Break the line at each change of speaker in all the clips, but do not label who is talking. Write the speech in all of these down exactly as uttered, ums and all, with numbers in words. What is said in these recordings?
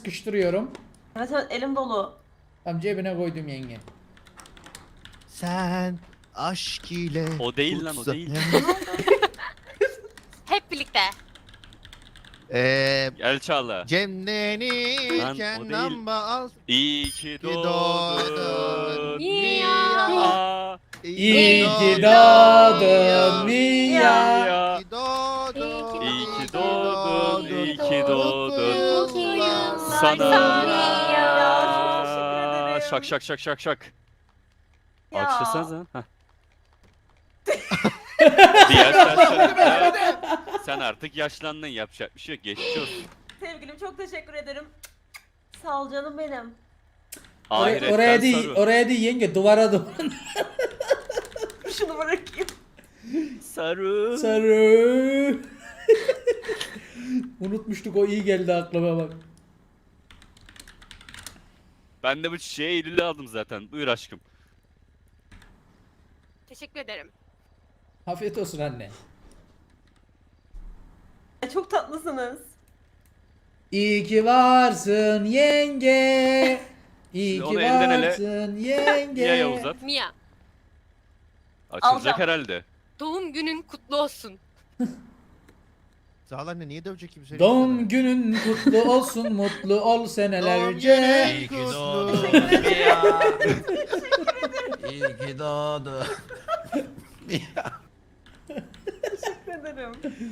sıkıştırıyorum.
Evet evet elim dolu.
Tam cebine koydum yenge.
Sen aşk ile
O değil lan, o
kutsa-
değil.
Hep birlikte.
Eee
Gel Çağla.
Cemlenirken
Lan, o değil.
lamba al.
İyi ki
Ki doğdun.
doğdun.
Mia.
Mia.
İyi ki
doğdun
doğdun
Mia.
Mia.
İyi ki doğdun.
İyi ki doğdun, iyi ki doğdun.
Mutlu yıllar
Sana.
Ya, çok teşekkür ederim.
Şak şak şak şak şak.
Ya.
Alkışlasanıza. Heh. Diğer saçlarında sen artık yaşlandın, yapacak bir şey yok, geçmiş olsun.
Sevgilim çok teşekkür ederim. Sağ ol canım benim.
Oraya,
Ahiretten
oraya değil,
sarı.
oraya değil yenge, duvara dur.
Şunu bırakayım.
Sarı.
Sarı. Unutmuştuk, o iyi geldi aklıma bak.
Ben de bu çiçeği Eylül'e aldım zaten. Buyur aşkım.
Teşekkür ederim.
Afiyet olsun anne.
Çok tatlısınız.
İyi ki varsın yenge. İyi
Şimdi
ki
onu elden ele-
varsın yenge.
Niye uzat?
Mia,
Açılacak
Alacağım.
herhalde.
doğum günün kutlu olsun.
Sağ ol anne, niye dövecek kimse?
Doğum günün kutlu olsun, mutlu ol senelerce.
İyi
İyi ki doğdun ya. İyi ki doğdun.
Teşekkür ederim.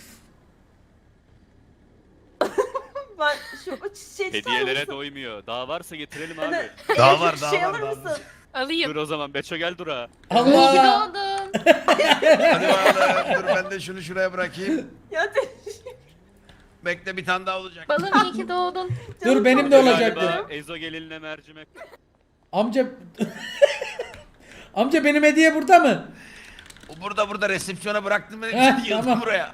Ben şu o çiçeği tutar
Hediyelere
mısın?
doymuyor. Daha varsa getirelim
Hani-
abi.
Daha var,
Şu
daha
şey
var,
alır
daha
mısın?
var.
Alayım.
Dur o zaman Beço gel dura.
Allah.
Doğdun.
Hadi bakalım, dur ben de şunu şuraya bırakayım.
Ya teşekkür
Bekle, bir tane daha olacak.
Balım iyi ki doğdun.
Dur benim de
çok
olacaktı.
Galiba Ezo gelinle mercimek.
Amca Amca benim hediye burada mı?
O burada burada resepsiyona bıraktım ben,
Heh,
yıldım
tamam.
buraya.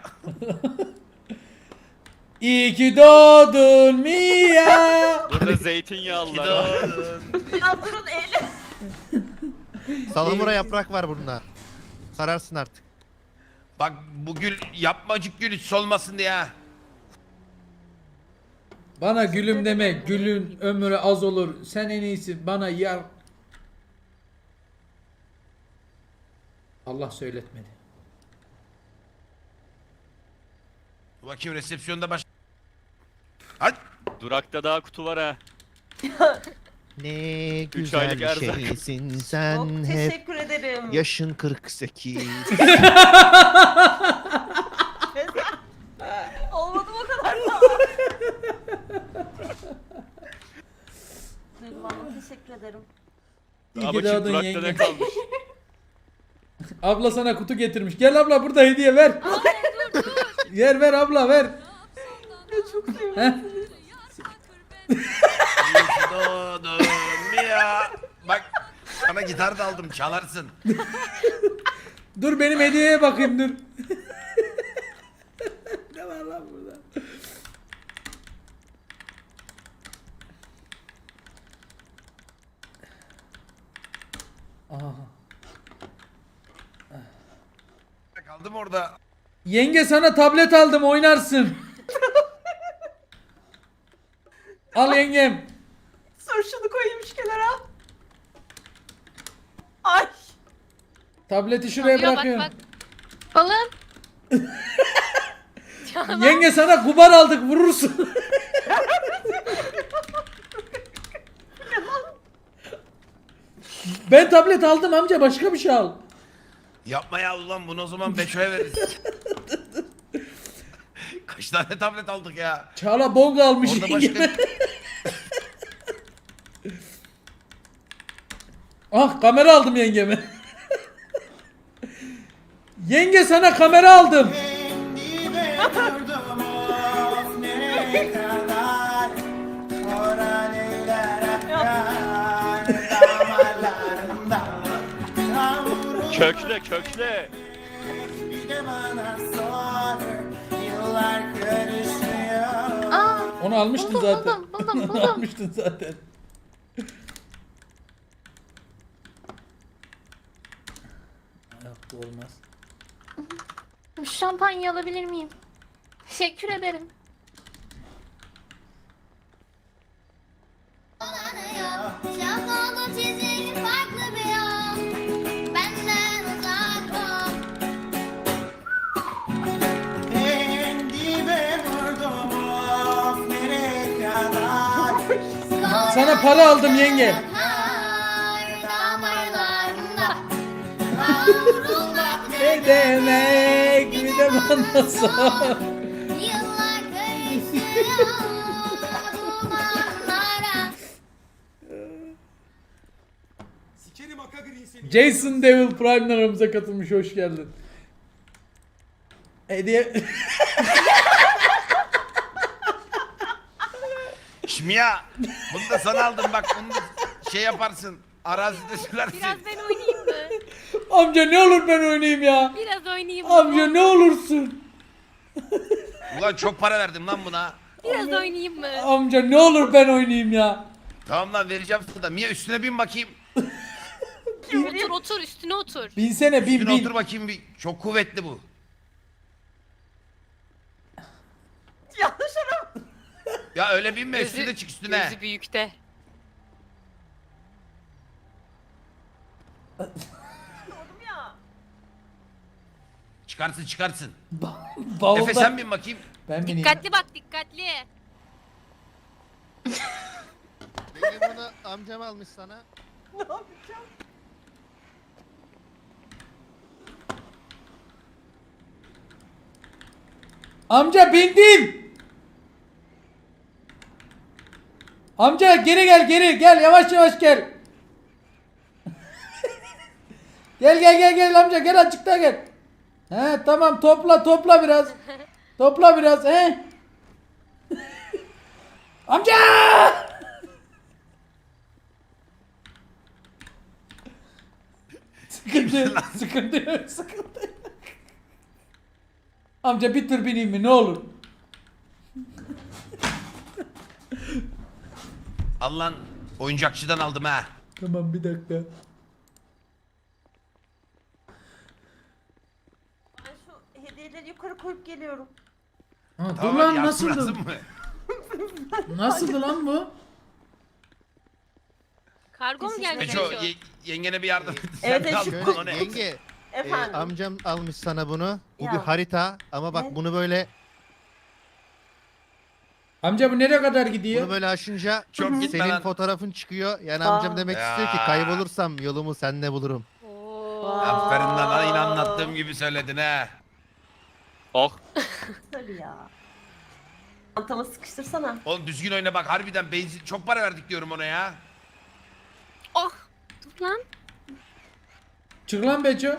İyi ki doğdun Mia.
Burada
İyi ki
zeytinyağlılar var.
doğdun.
Ya durun elim.
Salamura yaprak var bunda. Sararsın artık.
Bak bu gül yapmacık gül hiç solmasın diye ha.
Bana gülüm deme, gülün ömrü az olur. Sen en iyisi bana yar. Allah söyletmedi.
Bakayım resepsiyonda baş... Hadi.
Durakta daha kutu var ha.
Ne
aylık
güzel
erzak.
şeysin
Çok
sen hep.
teşekkür ederim.
Yaşın kırk sekiz.
Olmadı o kadar da. Duygulanma teşekkür ederim.
İyi
Daha
ki
bakayım
doğdun
durakta
yenge.
ne kalmış.
Abla sana kutu getirmiş. Gel abla, burada hediye ver. Ver ver abla ver.
Çok sevindim.
Heh.
İyi ki doğdun Mia. Bak sana gitar da aldım, çalarsın.
Dur benim hediyeye bakayım dur. Ne var lan burada? Aha.
Kaldım orada.
Yenge sana tablet aldım, oynarsın. Al yengem.
Sor şunu koyayım şu kenara. Ay.
Tableti şuraya
Alıyor, bak
bırakıyorum.
bak. Balım.
Yenge sana kubar aldık, vurursun. Ben tablet aldım amca, başka bir şey al.
Yapma ya ulan, bunu o zaman Beço'ya veririz. Kaç tane tablet aldık ya.
Çağla bong almış
Orada
yengeme.
başka...
Ah, kamera aldım yengeme. Yenge sana kamera aldım.
Kökle kökle.
Aa,
Onu almıştın
buldum,
zaten.
buldum, buldum,
Onu
buldum.
almıştın zaten. Yok, bu olmaz.
Şampanya alabilir miyim? Teşekkür ederim.
çizin farklı bir yol. Benden uzak ol.
En dibe vurdum of nereye kadar.
Sana para aldım yenge.
Kar damarlarında kavrulmak
Ne demek bir de bana sor.
Yıllar karışıyor dumanlara.
Sikerim aka gri seni.
Jason Devil Prime'den aramıza katılmış, hoş geldin. Hediye...
Şimdi ya bunu da sana aldım bak bunu da şey yaparsın. Arazide sürersin.
Biraz ben oynayayım mı?
Amca ne olur ben oynayayım ya.
Biraz oynayayım mı?
Amca ne olursun.
Ulan çok para verdim lan buna.
Biraz oynayayım mı?
Amca ne olur ben oynayayım ya.
Tamam lan vereceğim sana da. Mia üstüne bin bakayım.
Otur otur üstüne otur.
Binsene bin
Üstüne
bin.
otur bakayım bir. Çok kuvvetli bu.
Yanlış araba.
Ya öyle binme üstüne çık üstüne.
Gözü büyükte.
Oğlum ya.
Çıkarsın çıkarsın.
Bavulda.
Efe sen bin bakayım.
Ben bineyim.
Dikkatli bak dikkatli.
Beni bunu amcam almış sana.
Ne yapacağım?
Amca bindim. Amca geri gel geri gel yavaş yavaş gel. Gel gel gel gel amca gel açıkta gel. He tamam topla topla biraz. Topla biraz he. Amca! Sıkıntı yok, sıkıntı yok, sıkıntı yok. Amca bir tur bineyim mi ne olur?
Allah'ın oyuncakçıdan aldım ha.
Tamam bir dakika.
Ben şu hediyeleri yukarı koyup geliyorum.
Ha, dur
Tamam,
lan
yardım
nasıldı?
lazım mı?
Nasıldı lan bu?
Kargo mu geldi?
Beço
Beço?
ye- yengene bir yardım et. Sen
Evet,
de
evet,
al
şu
bunu, o
Şöyle
ne?
yenge. e,
Efendim.
amcam almış sana bunu. Bu
Ya.
bir harita ama bak
Ne?
bunu böyle
Amca bu nereye kadar gidiyor?
bunu böyle aşınca
Çok gitme
senin
lan.
fotoğrafın çıkıyor. Yani
Aa.
amcam demek istiyor ki
Ya.
kaybolursam yolumu seninle bulurum.
Oo.
Aferin lan aynı anlattığım gibi söyledin ha.
Oh.
Tabii ya. Çantama sıkıştırsana.
Oğlum düzgün oyna bak harbiden benzin çok para verdik diyorum ona ya.
Oh. Dur lan.
Çık lan Beço.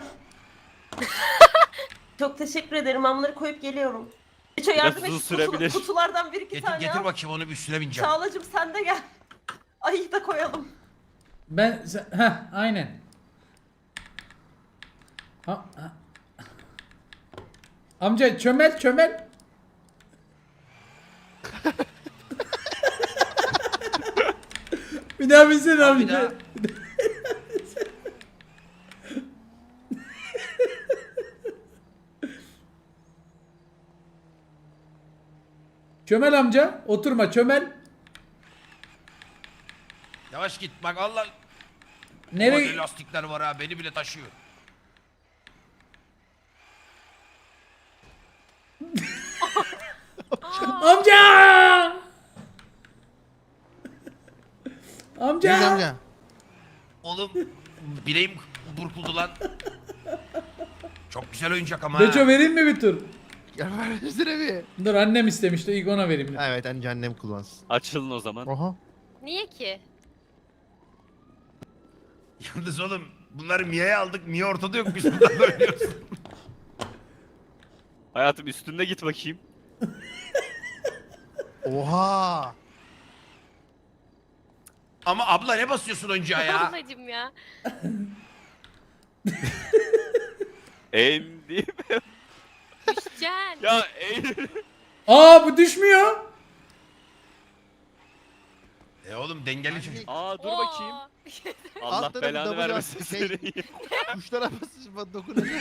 Çok teşekkür ederim. Amları koyup geliyorum. Beço yardım et.
uzun
Kutu-
sürebilir.
kutulardan bir iki
Getir,
tane
getir
al.
bakayım onu bir üstüne bineceğim.
Çağlacığım sen de gel. Ayı da koyalım.
Ben ha aynen. Ha, ha. Amca çömel çömel. Bir daha binsene
Al bir
amca.
daha.
Çömel amca oturma çömel.
Yavaş git bak Allah.
Nereye?
Nereye? Lastikler var ha beni bile taşıyor.
Amca! Amca!
Gel amca.
Oğlum bileğim burkuldu lan. Çok güzel oyuncak ama
Beço
ha.
vereyim mi bir tur?
Gel ver üstüne bir.
Dur annem istemişti ilk ona vereyim.
Evet anca annem kullansın.
Açılın o zaman.
Oha.
Niye ki?
Yalnız oğlum bunları Mia'ya aldık. Mia ortada yok biz burada oynuyoruz.
Hayatım üstünde git bakayım.
Oha.
Ama abla ne basıyorsun oyuncağa ya?
Ablacım ya.
Eğim değil mi?
Düşeceksin.
Ya eğim.
Aa bu düşmüyor.
E oğlum dengeli çocuk.
Aa dur
Oo.
bakayım. Allah
Alt tarafı
belanı
double
vermesin
yastık, şey-
seni.
Kuşlara basış bana dokunacak.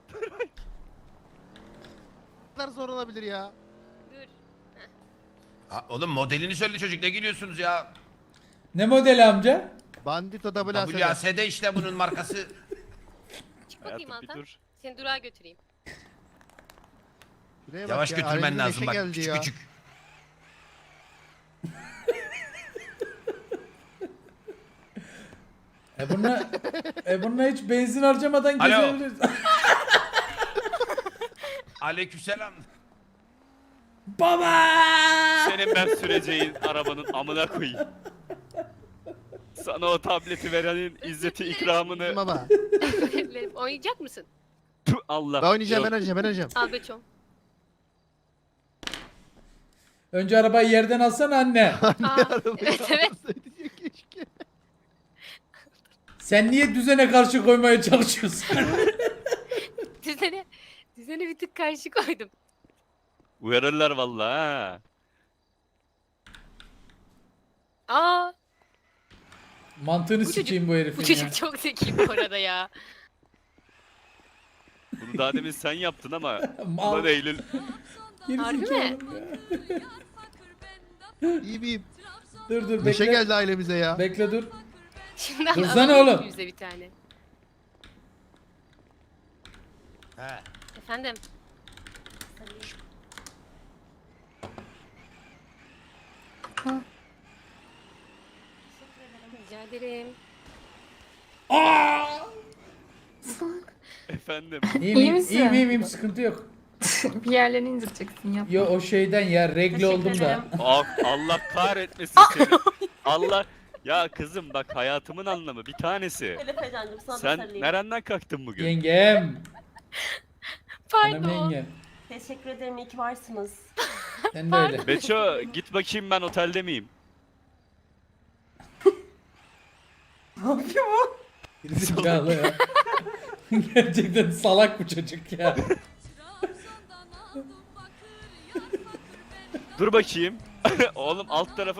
Ne kadar zor olabilir ya.
Dur.
Ha, oğlum modelini söyle çocuk, ne gülüyorsunuz ya?
Ne modeli amca?
Bandito W A S D.
W A S D işte bunun markası.
Çık bakayım
Hayatım bir
Altan.
dur.
Seni durağa götüreyim.
Şuraya bak
Yavaş
ya,
götürmen
ailemize
lazım
neşe
bak,
geldi
küçük
ya.
küçük.
E bununla, e bununla hiç benzin harcamadan
Alo.
gezebiliriz.
Aleykümselam.
Baba!
Senin ben süreceğin arabanın amına koyayım. Sana o tableti verenin izzeti ikramını
Baba.
Oynayacak mısın?
Tüh, Allah.
Ben oynayacağım,
Yok.
ben oynayacağım, ben oynayacağım.
Al beçom.
Önce arabayı yerden alsana anne.
Aa, evet evet.
Keşke.
Sen niye düzene karşı koymaya çalışıyorsun?
Düzene, düzene bir tık karşı koydum.
Uyarırlar vallahi ha.
Aa,
Mantığını
Bu çocuk-
sikeyim bu herifin
bu
ya.
çocuk çok zeki bu arada ya.
Bunu daha demin sen yaptın ama
Mal.
ulan Eylül.
Harbi mi?
Gerizekalı ya.
İyi miyim?
Dur dur
Neşe
bekle.
geldi ailemize ya.
Bekle dur.
Şimdi
Dursana
alalım
oğlum.
Yüzde bir tane.
He.
Efendim. Rica ederim.
Efendim.
İyiyim,
İyi
iyiyim,
misin?
iyiyim, iyiyim, iyiyim, sıkıntı yok.
Bir yerlerini indireceksin yap.
Yo o şeyden ya regle
Teşekkür
oldum da.
ederim.
Ah, Allah kahretmesin seni. Allah. Ya kızım bak hayatımın anlamı bir tanesi.
Elif Ecan'cım sana da
Sen
sarılayım.
nereden kalktın bugün?
Yengem. Hanım
Pardon.
yengem.
Teşekkür ederim, iyi ki varsınız.
Sen de öyle.
Beço git bakayım ben otelde miyim?
Ne yapıyor bu?
Gerizekalı ya. Gerçekten salak bu çocuk ya.
Dur bakayım. Oğlum alt tarafı